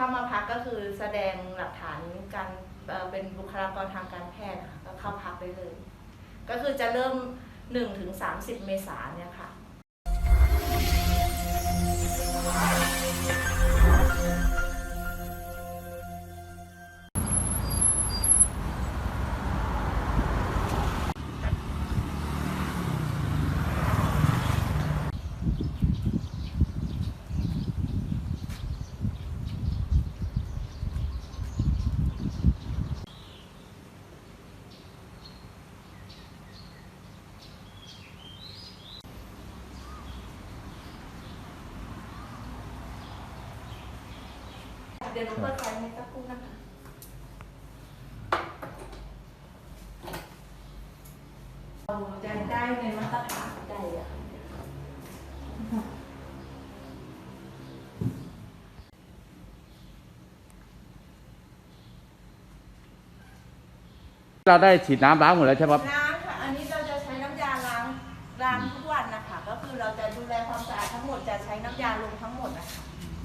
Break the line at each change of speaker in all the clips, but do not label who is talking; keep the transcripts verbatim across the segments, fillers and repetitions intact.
ามาพักก็คือแสดงหลักฐานการเป็นบุคลากรทางการแพทย์ค่ะก็เข้าพักได้เลย ก็คือจะเริ่ม หนึ่งถึงสามสิบ เมษายนเนี่ยค่ะเดี๋ยวหนูเปิดไฟให้สักครู่นะคะเราจะได้ในมาตรฐานใดอะ
เราได้ฉีดน้ำล้างหมดแล้วใช่ไหมครับ
ล้างค่ะอันนี้เราจะใช้น้ำยาล้างล้างทุกวันนะคะก็คือเราจะดูแลความสะอาดทั้งหมดจะใช้น้ำยาลงทั้งหมดนะคะ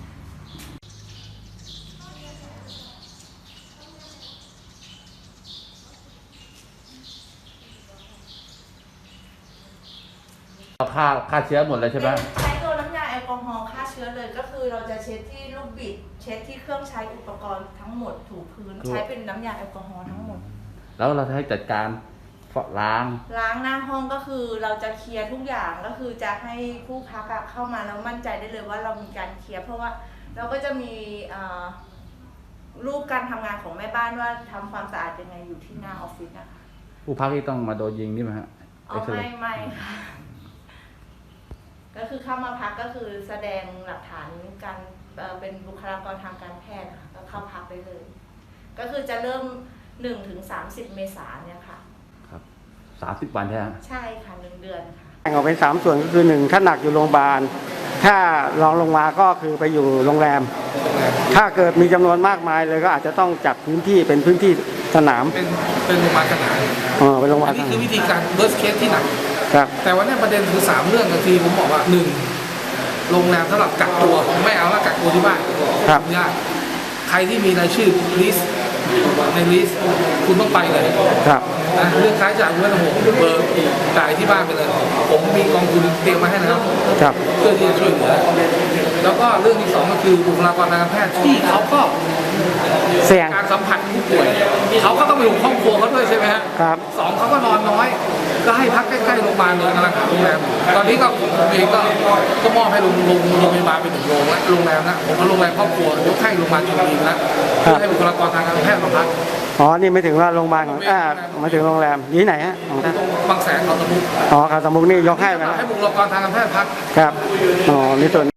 เราฆ่าฆ่าเชื้อหมดเลยใช่ไหม
ใช้ตัวน้ำยาแอลกอฮอล์ฆ่าเชื้อเลยก็คือเราจะเช็ดที่ลูกบิดเช็ดที่เครื่องใช้อุปกรณ์ทั้งหมดถูพื้นใช้เป็นน้ำยาแอลกอฮอล์ทั้งหมด
แล้วเราจะให้จัดการล้าง
ล้างหน้าห้องก็คือเราจะเคลียร์ทุกอย่างก็คือจะให้ผู้พักเข้ามาแล้วมั่นใจได้เลยว่าเรามีการเคลียร์เพราะว่าเราก็จะมีรูปการทำงานของแม่บ้านว่าทำความสะอาดยังไงอยู่ที่หน้าออฟฟิศนะคะ
ผู้พักที่ต้องมาโดนยิงนี่ไหมฮะ
อ๋อไม่ไม่ค่ะก็คือเข้ามาพักก็คือแสดงหลักฐานการเป็นบุคลากรทางการแพทย์ค่ะก็เข้าพักได้เลย ก็คือจะเริ่ม หนึ่งถึงสามสิบ เมษายนเนี่ยค่ะ
ครับสามสิบวันใช่ไหม
ใช่ค่ะหนึ่งเดือนค่ะ
แบ่งออกเป็นสามส่วนก็คือหนึ่งถ้าหนักอยู่โรงพยาบาลถ้ารองลงมาก็คือไปอยู่โรงแรมถ้าเกิดมีจำนวนมากมายเลยก็อาจจะต้องจัดพื้นที่เป็นพื้นที่สนาม
เป็นเป็นโรงพยาบาลสนาม
อ๋อเป็นโรงพยาบาล
นี่คือวิธีการ worst case ที่หนัก
ครับ
แต่วันนี้ประเด็นคือสามเรื่องก็คือผมบอกว่าหนึ่งโรงแรมสำหรับกักตัวไม่เอาละกักตัวที่บ้าน
ครับ
ยากใครที่มีรายชื่อลิสต์ในลิสต์คุณต้องไปเลย
ครับ
นะเรื่องค่าใช้จ่ายคุณไม่ต้องห่วงเบอร์จ่ายที่บ้านไปเลยผมมีกองทุนเตรียมมาให้นะครับ
ครับ
เพื่อที่จะช่วยเหลือแล้วก็เรื่องที่สองก็คือบุคลากรทางการแพทย์ที่เขาก็
เสี่ยง
การสัมผัสผู้ป่วยเขาก็ต้องไปอยู่ครอบครัวเขาด้วยใช่ไหมฮะ
ครับ
สองเขาก็นอนน้อยก็ให้พักใกล้ๆโรงพยาบาลเลยกำลังหาโรงแรมตอนนี้ก็ผมเองก็ก็มอบให้โรงโรงโรงพยาบาลเป็นหนึ่งโรงและโรงแรมนะผมเอาโรงแรมครอบครัวยกให้โรงพยาบาลจุฬาอีกแล้วเพื่อให้บุคลากรทางการแพทย์มาพัก
อ๋อนี่ไม่ถึงว่าโรงพยาบาลของอ่าไม่ถึงโรงแรมที่ไหนฮะของท่าน
บางแสนเขาสมุก
อ๋อเขาสมุกนี่ยกให้ไป
ให้บุคลากรทางการแพทย์พัก
ครับอ๋อนี่ส่วน